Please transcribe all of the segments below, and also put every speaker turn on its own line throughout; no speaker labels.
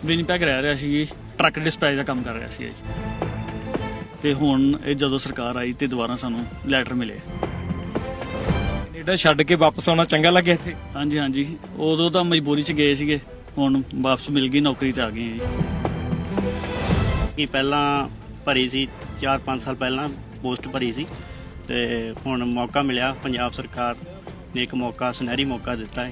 Winnipeg ਰਹਿ ਰਿਹਾ ਸੀ ਜੀ, ਟਰੱਕ ਡਿਸਪੈਚ ਦਾ ਕੰਮ ਕਰ ਰਿਹਾ ਸੀ ਜੀ। ਤੇ ਹੁਣ ਇਹ ਜਦੋਂ ਸਰਕਾਰ ਆਈ ਤੇ ਦੁਬਾਰਾ ਸਾਨੂੰ ਲੈਟਰ ਮਿਲੇ।
ਕੈਨੇਡਾ ਛੱਡ ਕੇ ਵਾਪਸ ਆਉਣਾ ਚੰਗਾ ਲੱਗਿਆ ਇੱਥੇ?
ਹਾਂਜੀ ਹਾਂਜੀ, ਉਦੋਂ ਤਾਂ ਮਜਬੂਰੀ 'ਚ ਗਏ ਸੀਗੇ, ਹੁਣ ਵਾਪਸ ਮਿਲ ਗਈ, ਨੌਕਰੀ 'ਤੇ ਆ ਗਏ ਜੀ।
ਕਿ ਪਹਿਲਾਂ ਭਰੀ ਸੀ 4-5 ਸਾਲ ਪਹਿਲਾਂ ਪੋਸਟ ਭਰੀ ਸੀ ਤੇ ਹੁਣ ਮੌਕਾ ਮਿਲਿਆ, ਪੰਜਾਬ ਸਰਕਾਰ ਨੇ ਇੱਕ ਮੌਕਾ, ਸੁਨਹਿਰੀ ਮੌਕਾ ਦਿੱਤਾ ਹੈ।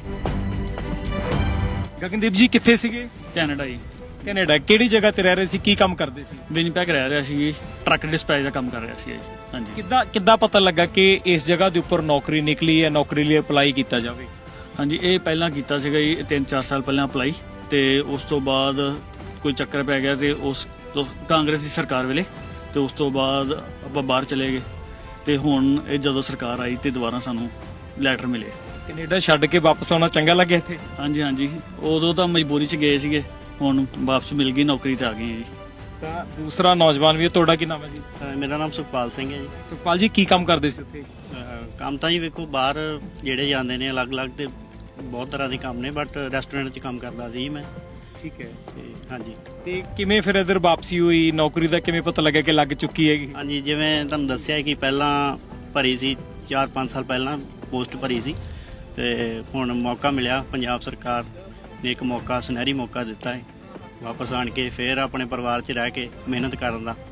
ਗਗਨਦੀਪ ਜੀ ਕਿੱਥੇ ਸੀਗੇ?
ਕੈਨੇਡਾ ਜੀ,
ਕੈਨੇਡਾ ਕਿਹੜੀ ਜਗ੍ਹਾ ਤੇ ਰਹਿ ਰਹੇ ਸੀ, ਕੀ ਕੰਮ ਕਰਦੇ ਸੀ?
ਵਿਨੀਪੈਗ ਰਹਿ ਰਿਹਾ ਸੀ ਜੀ, ਟਰੱਕ ਡਿਸਪੈਚ ਦਾ ਕੰਮ ਕਰ ਰਿਹਾ ਸੀ ਜੀ। ਹਾਂਜੀ,
ਕਿੱਦਾਂ ਪਤਾ ਲੱਗਾ ਕਿ ਇਸ ਜਗ੍ਹਾ ਦੇ ਉੱਪਰ ਨੌਕਰੀ ਨਿਕਲੀ ਹੈ, ਨੌਕਰੀ ਲਈ ਅਪਲਾਈ ਕੀਤਾ ਜਾਵੇ?
ਹਾਂਜੀ, ਇਹ ਪਹਿਲਾਂ ਕੀਤਾ ਸੀਗਾ ਜੀ 3-4 ਸਾਲ ਪਹਿਲਾਂ ਅਪਲਾਈ, ਤੇ ਉਸ ਤੋਂ ਬਾਅਦ ਕੋਈ ਚੱਕਰ ਪੈ ਗਿਆ ਤੇ ਉਸ ਤੋਂ ਕਾਂਗਰਸ ਦੀ ਸਰਕਾਰ ਵੇਲੇ, ਤੇ ਉਸ ਤੋਂ ਬਾਅਦ ਆਪਾਂ ਬਾਹਰ ਚਲੇ ਗਏ। ਤੇ ਹੁਣ ਇਹ ਜਦੋਂ ਸਰਕਾਰ ਆਈ ਤੇ ਦੁਬਾਰਾ ਸਾਨੂੰ ਲੈਟਰ ਮਿਲੇ।
ਕੈਨੇਡਾ ਛੱਡ ਕੇ ਵਾਪਸ ਆਉਣਾ ਚੰਗਾ ਲੱਗਿਆ ਇੱਥੇ?
ਹਾਂਜੀ ਹਾਂਜੀ, ਉਦੋਂ ਤਾਂ ਮਜਬੂਰੀ 'ਚ ਗਏ ਸੀਗੇ, ਹੁਣ ਵਾਪਸ ਮਿਲ ਗਈ, ਨੌਕਰੀ 'ਤੇ ਆ ਗਏ ਜੀ।
ਤਾਂ ਦੂਸਰਾ ਨੌਜਵਾਨ ਵੀ ਹੈ, ਤੁਹਾਡਾ ਕੀ ਨਾਮ ਹੈ ਜੀ?
ਮੇਰਾ ਨਾਮ ਸੁਖਪਾਲ ਸਿੰਘ ਹੈ ਜੀ।
ਸੁਖਪਾਲ ਜੀ ਕੀ ਕੰਮ ਕਰਦੇ ਸੀ ਉੱਥੇ?
ਕੰਮ ਤਾਂ ਜੀ ਵੇਖੋ ਬਾਹਰ ਜਿਹੜੇ ਜਾਂਦੇ ਨੇ ਅਲੱਗ-ਅਲੱਗ ਤੇ ਬਹੁਤ ਤਰ੍ਹਾਂ ਦੇ ਕੰਮ ਨੇ, ਬਟ ਰੈਸਟੋਰੈਂਟ 'ਚ ਕੰਮ ਕਰਦਾ ਸੀ ਮੈਂ।
ਠੀਕ ਹੈ।
ਤੇ ਹਾਂਜੀ
ਤੇ ਕਿਵੇਂ ਫਿਰ ਇਧਰ ਵਾਪਸੀ ਹੋਈ, ਨੌਕਰੀ ਦਾ ਕਿਵੇਂ ਪਤਾ ਲੱਗਿਆ ਕਿ ਲੱਗ ਚੁੱਕੀ ਹੈਗੀ?
ਹਾਂਜੀ, ਜਿਵੇਂ ਤੁਹਾਨੂੰ ਦੱਸਿਆ ਕਿ ਪਹਿਲਾਂ ਭਰੀ ਸੀ 4-5 ਸਾਲ ਪਹਿਲਾਂ ਪੋਸਟ ਭਰੀ ਸੀ ਤੇ ਹੁਣ ਮੌਕਾ ਮਿਲਿਆ, ਪੰਜਾਬ ਸਰਕਾਰ ਨੇ ਇੱਕ ਮੌਕਾ, ਸੁਨਹਿਰੀ ਮੌਕਾ ਦਿੱਤਾ ਹੈ ਵਾਪਸ ਆਣ ਕੇ ਫਿਰ ਆਪਣੇ ਪਰਿਵਾਰ 'ਚ ਰਹਿ ਕੇ ਮਿਹਨਤ ਕਰਨ ਦਾ।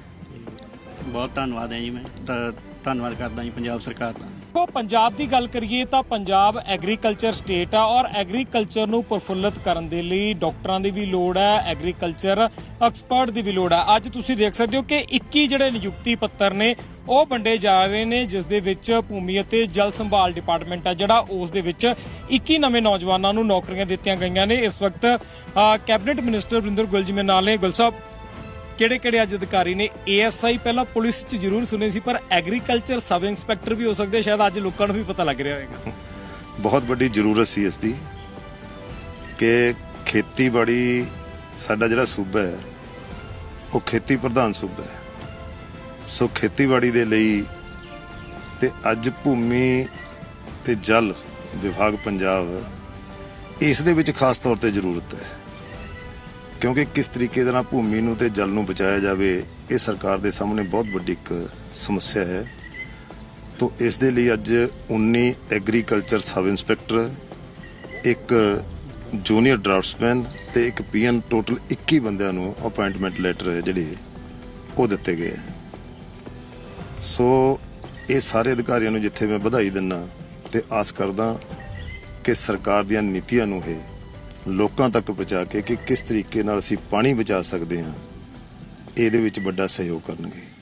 ਤੇ ਬਹੁਤ ਧੰਨਵਾਦ ਹੈ ਜੀ, ਮੈਂ ਤਾਂ ਧੰਨਵਾਦ ਕਰਦਾ ਜੀ ਪੰਜਾਬ ਸਰਕਾਰ ਦਾ।
ਦੇਖੋ, ਪੰਜਾਬ ਦੀ ਗੱਲ ਕਰੀਏ ਤਾਂ ਪੰਜਾਬ ਐਗਰੀਕਲਚਰ ਸਟੇਟ ਆ ਔਰ ਐਗਰੀਕਲਚਰ ਨੂੰ ਪ੍ਰਫੁੱਲਤ ਕਰਨ ਦੇ ਲਈ ਡਾਕਟਰਾਂ ਦੀ ਵੀ ਲੋੜ ਹੈ, ਐਗਰੀਕਲਚਰ ਐਕਸਪਰਟ ਦੀ ਵੀ ਲੋੜ ਹੈ। ਅੱਜ ਤੁਸੀਂ ਦੇਖ ਸਕਦੇ ਹੋ ਕਿ 21 ਜਿਹੜੇ ਨਿਯੁਕਤੀ ਪੱਤਰ ਨੇ ਉਹ ਵੰਡੇ ਜਾ ਰਹੇ ਨੇ, ਜਿਸ ਦੇ ਵਿੱਚ ਭੂਮੀ ਅਤੇ ਜਲ ਸੰਭਾਲ ਡਿਪਾਰਟਮੈਂਟ ਆ ਜਿਹੜਾ, ਉਸ ਦੇ ਵਿੱਚ 21 ਨਵੇਂ ਨੌਜਵਾਨਾਂ ਨੂੰ ਨੌਕਰੀਆਂ ਦਿੱਤੀਆਂ ਗਈਆਂ ਨੇ। ਇਸ ਵਕਤ ਕੈਬਨਿਟ ਮਿਨਿਸਟਰ ਵਰਿੰਦਰ ਗੁਲ ਜੀ ਮੇਰੇ ਨਾਲ ਨੇ। ਗੁਲ ਸਾਹਿਬ, ਕਿਹੜੇ ਅੱਜ ਅਧਿਕਾਰੀ ਨੇ? ASI ਪਹਿਲਾਂ ਪੁਲਿਸ 'ਚ ਜ਼ਰੂਰ ਸੁਣੇ ਸੀ, ਪਰ ਐਗਰੀਕਲਚਰ ਸਬ ਇੰਸਪੈਕਟਰ ਵੀ ਹੋ ਸਕਦੇ, ਸ਼ਾਇਦ ਅੱਜ ਲੋਕਾਂ ਨੂੰ ਵੀ ਪਤਾ ਲੱਗ ਰਿਹਾ ਹੋਵੇਗਾ।
ਬਹੁਤ ਵੱਡੀ ਜ਼ਰੂਰਤ ਸੀ ਇਸ ਦੀ ਕਿ ਖੇਤੀਬਾੜੀ, ਸਾਡਾ ਜਿਹੜਾ ਸੂਬਾ ਹੈ ਉਹ ਖੇਤੀ ਪ੍ਰਧਾਨ ਸੂਬਾ ਹੈ, ਸੋ ਖੇਤੀਬਾੜੀ ਦੇ ਲਈ ਤੇ ਅੱਜ ਭੂਮੀ ਤੇ ਜਲ ਵਿਭਾਗ ਪੰਜਾਬ ਇਸ ਦੇ ਵਿੱਚ ਖਾਸ ਤੌਰ ਤੇ ਜ਼ਰੂਰਤ ਹੈ, ਕਿਉਂਕਿ ਕਿਸ ਤਰੀਕੇ ਦੇ ਨਾਲ ਭੂਮੀ ਨੂੰ ਤੇ ਜਲ ਨੂੰ ਬਚਾਇਆ ਜਾਵੇ ਇਹ ਸਰਕਾਰ ਦੇ ਸਾਹਮਣੇ ਬਹੁਤ ਵੱਡੀ ਇੱਕ ਸਮੱਸਿਆ ਹੈ। ਤੋ ਇਸ ਦੇ ਲਈ ਅੱਜ 19 ਐਗਰੀਕਲਚਰ ਸਬ ਇੰਸਪੈਕਟਰ, ਇੱਕ ਜੂਨੀਅਰ ਡਰਾਫਟਸਮੈਨ ਤੇ ਇੱਕ ਪੀਐਨ, ਟੋਟਲ 21 ਬੰਦਿਆਂ ਨੂੰ ਅਪਾਇੰਟਮੈਂਟ ਲੈਟਰ ਜਿਹੜੇ ਉਹ ਦਿੱਤੇ ਗਏ। ਸੋ ਇਹ ਸਾਰੇ ਅਧਿਕਾਰੀਆਂ ਨੂੰ ਜਿੱਥੇ ਮੈਂ ਵਧਾਈ ਦਿੰਦਾ ਤੇ ਆਸ ਕਰਦਾ ਕਿ ਸਰਕਾਰ ਦੀਆਂ ਨੀਤੀਆਂ ਨੂੰ ਇਹ ਲੋਕਾਂ ਤੱਕ ਪਹੁੰਚਾ ਕੇ ਕਿ ਕਿਸ ਤਰੀਕੇ ਨਾਲ ਅਸੀਂ ਪਾਣੀ ਬਚਾ ਸਕਦੇ ਹਾਂ, ਇਹਦੇ ਵਿੱਚ ਵੱਡਾ ਸਹਿਯੋਗ ਕਰਨਗੇ।